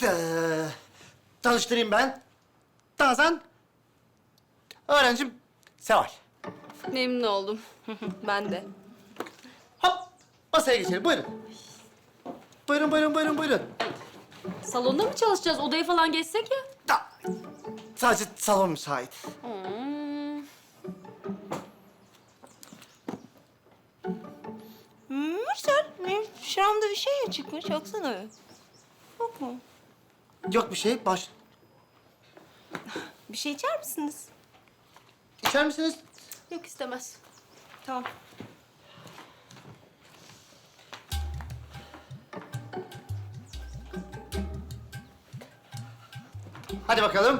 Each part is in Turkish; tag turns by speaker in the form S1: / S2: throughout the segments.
S1: Tanıştırayım ben. Nazan. Öğrencim Seval.
S2: Memnun oldum. Ben de.
S1: Hop masaya geçelim buyurun. Buyurun.
S2: Salonda mı çalışacağız? Odaya falan geçsek ya.
S1: Da, sadece salon müsait.
S3: Mürsel, benim şuramda bir şey çıkmış. Baksana. Yok mu?
S1: Yok bir şey baş...
S3: Bir şey içer misiniz?
S1: İçer misiniz?
S2: Yok istemez.
S3: Tamam.
S1: Hadi bakalım.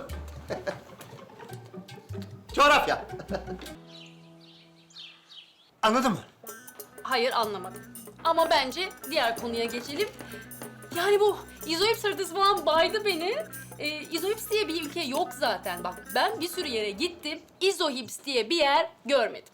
S1: Coğrafya. Anladın mı?
S2: Hayır anlamadım. Ama bence diğer konuya geçelim. Yani bu izoips haritası falan baydı beni. İzoips diye bir ülke yok zaten. Bak ben bir sürü yere gittim. İzohips diye bir yer görmedim.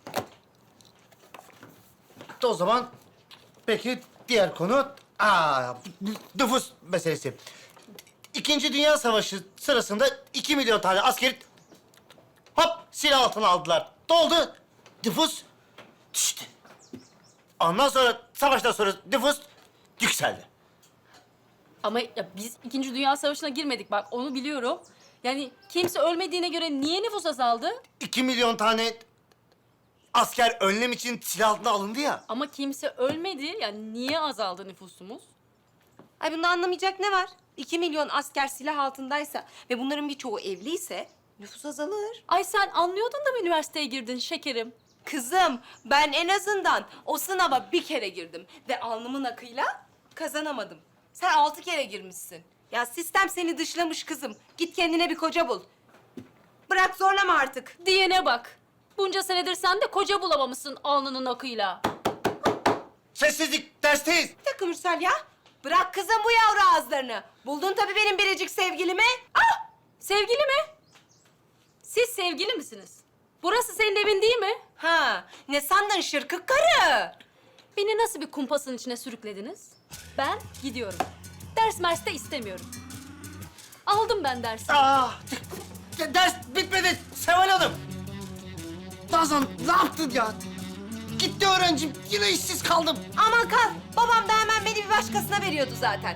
S1: O zaman peki diğer konu nüfus meselesi. İkinci Dünya Savaşı sırasında 2 milyon tane askeri hop silah altına aldılar. Doldu. Nüfus düştü. Ondan sonra savaştan sonra nüfus yükseldi.
S2: Ama ya biz İkinci Dünya Savaşı'na girmedik bak onu biliyorum. Yani kimse ölmediğine göre niye nüfus azaldı?
S1: 2 milyon tane asker önlem için silah altına alındı ya.
S2: Ama kimse ölmedi. Yani niye azaldı nüfusumuz?
S3: Ay bunda anlamayacak ne var? 2 milyon asker silah altındaysa ve bunların birçoğu evliyse nüfus azalır.
S2: Ay sen anlıyordun da mı üniversiteye girdin şekerim?
S3: Kızım, ben en azından o sınava bir kere girdim ve alnımın akıyla kazanamadım. Sen 6 kere girmişsin. Ya sistem seni dışlamış kızım. Git kendine bir koca bul. Bırak zorlama artık.
S2: Diyene bak. Bunca senedir sen de koca bulamamışsın alnının akıyla.
S1: Sessizlik, dersteyiz.
S3: Bir dakika Mürsel ya. Bırak kızım bu yavru ağızlarını. Buldun tabii benim biricik sevgilimi. Ah!
S2: Sevgili mi? Siz sevgili misiniz? Burası senin evin değil mi?
S3: Ha, ne sandın şırkık karı?
S2: Beni nasıl bir kumpasın içine sürüklediniz? Ben gidiyorum. Ders mers de istemiyorum. Aldım ben dersi.
S1: Ders bitmedi Seval Hanım. Nazan ne yaptın ya? Gitti öğrencim, yine işsiz kaldım.
S3: Aman kal. Babam da hemen beni bir başkasına veriyordu zaten.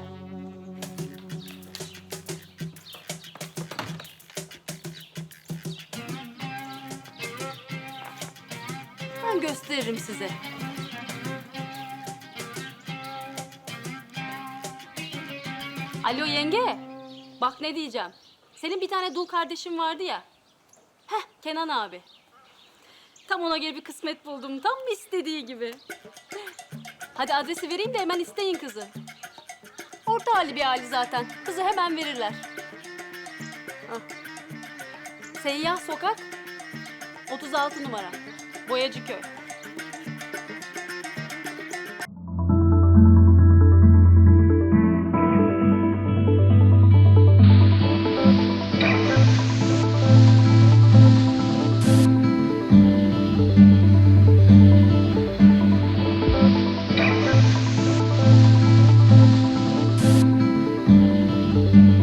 S2: Ben gösteririm size. Alo yenge. Bak ne diyeceğim. Senin bir tane dul kardeşin vardı ya. Heh Kenan abi. Tam ona göre bir kısmet buldum. Tam istediği gibi. Hadi adresi vereyim de hemen isteyin kızı. Orta hali bir hali zaten. Kızı hemen verirler. Hah. Seyyah Sokak 36 numara. Boyacıköy.